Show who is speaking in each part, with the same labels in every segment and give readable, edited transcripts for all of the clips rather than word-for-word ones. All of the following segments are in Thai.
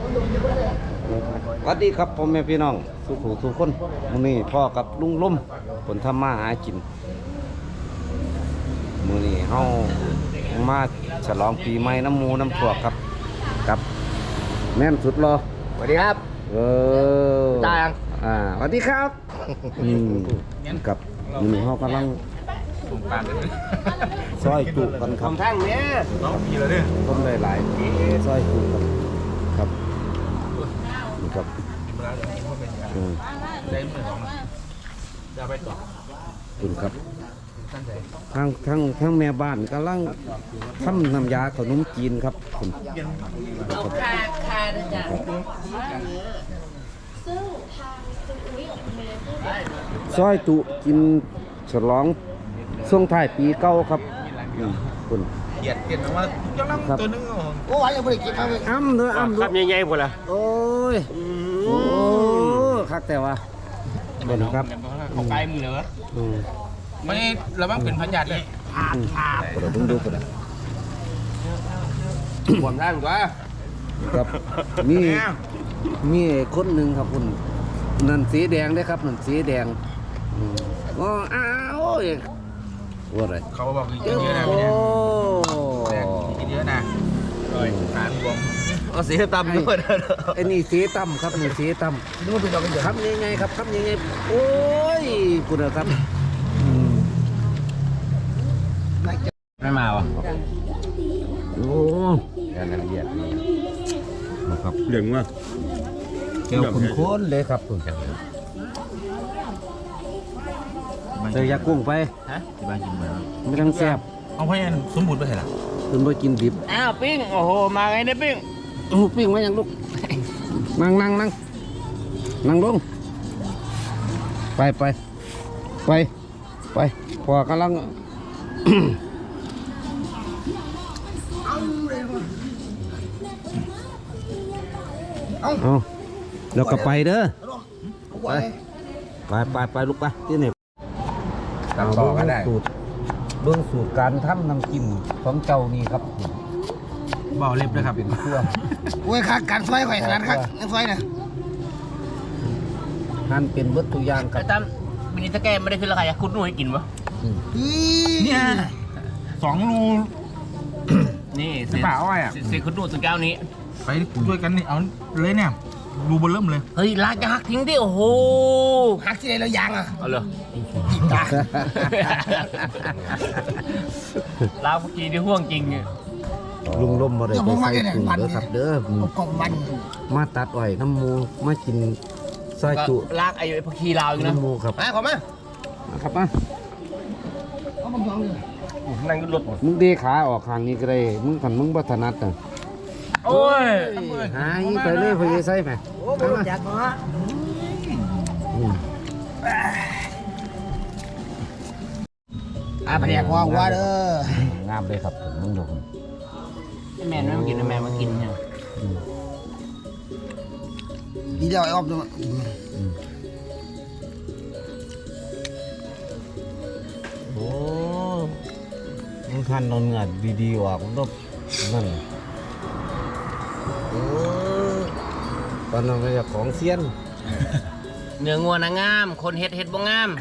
Speaker 1: สวัสดีครับผมแม่พี่น้องสุขุสุขคนมื้อนี้พ่อกับลุงล้มผลทำมาหากินมื้อนี้เฮามาฉลองปีใหม่น้ำหมูน้ำพวกครับกับแม่นสุดรอ
Speaker 2: สวัสดีครับ
Speaker 1: ตา
Speaker 2: ยัง
Speaker 1: สวัสดีครับกับมื้อนี้เฮากำลังซอยจุกันครับ
Speaker 2: ทางเนี้ย
Speaker 3: ต้องมีแล้วเนี่ย
Speaker 1: ต้มได้หลายซอยจุกันครับนี่ครับ
Speaker 3: ได้เหมือนของจะไปต่อ
Speaker 1: คุณครับทั้งแม่บ้านกำลังทำน้ำยาขนมจีนครับคุณซอยจุกินฉลองช่วงท้ายปีเก่าครับคุณ
Speaker 3: เกียดว่าจะลังตัวนึง
Speaker 2: โอ้ยยังไม่ได้กินครับ
Speaker 1: อ้ำเด้ออ้ำ
Speaker 2: ครับใหญ่ๆหมดละ
Speaker 1: โอ้ยโอ้คักแต่ว่าเป็นครับ
Speaker 3: ของไกลมือเหรอไม่ระวังเป็นพันหยัดเลย
Speaker 1: เดี๋ยวเพิ่งดูกันนะ
Speaker 2: ผมได้หรือว่า
Speaker 1: ครับมีคนหนึ่งครับคุณนั่นสีแดงได้ครับนั่นสีแดงอ๋ออ้าวว่าอะไร
Speaker 3: เขาบอกกินเยอะนะพี่เนี่ยกินเยอะนะการบวม
Speaker 2: เอาสีตำด้วย
Speaker 1: ไอ้นี่สีต่ำครับนี่สีต่ำ
Speaker 2: นึกว่าเป็นดอกกันเยอะ
Speaker 1: ครับยังไงครับครับยังไงโอ้ยคุณครับ
Speaker 3: ไม่มาวะ
Speaker 1: โอ้
Speaker 3: การละเอียดนี่
Speaker 1: ครับ
Speaker 3: เหลืองว่ะ
Speaker 1: เกี่ยวคุณโค้นเลยครับคุณเจอยากุ้งไป
Speaker 3: ฮะที่บ้านกินมา
Speaker 1: ไม่ต้องแซ่บ
Speaker 3: เอาให้สมบูรณ์ไปเถอะล่ะ
Speaker 1: คุณไปกินดิบ
Speaker 2: อ้าวปิ้งโอ้โหมาไงเนี่ยปิ้ง
Speaker 1: โอ้ปิ้งไว้ยังลูกนั่งลงไปพอกำลัง เอาแล้วก็ไปเด้อไปลูกไปที่ไหน
Speaker 3: ตัดต่อก็ได้
Speaker 1: เบื้องสูตรการทำน้ำจิ้มของเจ้านี่ครับ
Speaker 3: เบาเล็บเลยครับ
Speaker 1: เป็นเครื่อง
Speaker 2: โอ้ยขาดการซอยข่อยขนาดครับยังซอยนะ
Speaker 1: หั่นเป็นวัตถุยางค
Speaker 4: ไอ้
Speaker 1: รับ
Speaker 4: ตั้มมินิสแกนไม่ได้ขึ้นราคาอยากคุณหนูให้กินปะ
Speaker 3: เนี่ย2 รู
Speaker 4: นี่
Speaker 3: กระเป๋าอ้อยอ่ะ
Speaker 4: เสียคุณหนูสุดแก้วนี้
Speaker 3: ไปช่วยกันนี่เอาเลยเนี่ยรูบนเริ่มเลย
Speaker 4: เฮ้ยลากจะหักทิ้งดิโอ้โห
Speaker 2: หักที่ไหนเรายางอ่ะ
Speaker 4: เอาเลย
Speaker 2: กินตา
Speaker 4: ลากเมื่อกี้ที่ห่วงจริงเนี่ย
Speaker 1: ลุงล้มมาได้ไปใส่ถุงเด้อครับเด้อก
Speaker 2: ล่องมัน
Speaker 1: มาตัดอ้อยน้ำมูมากินซอยจุ
Speaker 4: ลากไอ้พักคีลาวอยู่นะ
Speaker 1: น้ำมูครับ
Speaker 2: มาขอมา
Speaker 1: ครับมา
Speaker 2: เอาบังยองเลย
Speaker 4: นั่งขึ้นรถ
Speaker 1: มึงเดขาออกข้างนี้ก็ได้มึงขันมึงบัถนัดน่ะ
Speaker 4: โอ้ย
Speaker 1: หายไปเลยพอใส่ไหม
Speaker 2: โอ้โหจัดมา แผนกว่าเด้อง
Speaker 1: ามเลยครับผมมึงดู
Speaker 4: แม่ไม่มากินแม่มากินเนี่ย
Speaker 2: ดีเดียวไอ้ออฟดู
Speaker 1: โอ้มึงคันนอนเงือดดีๆว่ะมึงต้องนั่นโอ้ตอนนั้นเป็นของเซียน
Speaker 4: เนื้องัวนะงาม คนเฮ็ดบ่งาม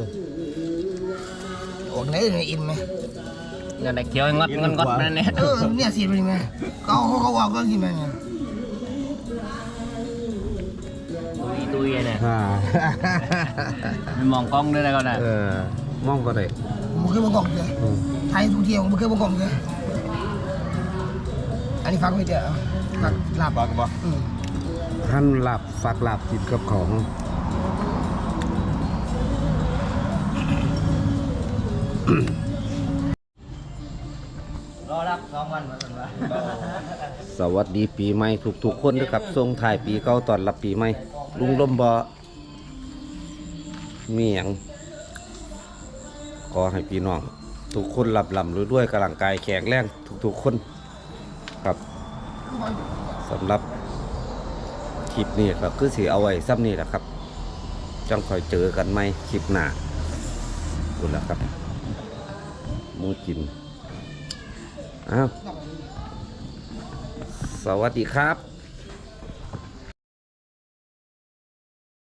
Speaker 2: โอ้ไหนเนี่ยอิ่มไหม
Speaker 4: เนื้อแต่เคี้ยวงดนั่นเนี่ย
Speaker 2: เนี่ยสีเป็นยังไงเขาออกก็กินไหมเนี่ย
Speaker 4: ตุยเนี่ย
Speaker 1: อ่า
Speaker 4: มันมองกล้องด้วยนะก็ได้
Speaker 1: มองก็ได้
Speaker 2: มันเคยมากล่องเลยไทยทุกเที่ยวมันเคยมากล่องเลยอันนี้ฟังไม่เจอฟังหลับ
Speaker 3: บอกกันบอก
Speaker 1: ท่านหลับฝากหลับติดกับของ
Speaker 4: รอรับ2 วันมาสันวะ
Speaker 1: สวัสดีปีใหม่ทุกๆคนนะครับส่งถ่ายปีเก่าตอนรับปีใหม่ลุงลมบอมีอย่างขอให้พี่น้องทุกคนหลับด้วยกำลังกายแข็งแรงทุกๆคนครับสำหรับคลิปนี้ก็คือสิเอาไว้ซ้ำนี่แหละครับจังคอยเจอกันไหมคลิปหน้าคุณละครับหมูกินอ้าวสวัสดีครับ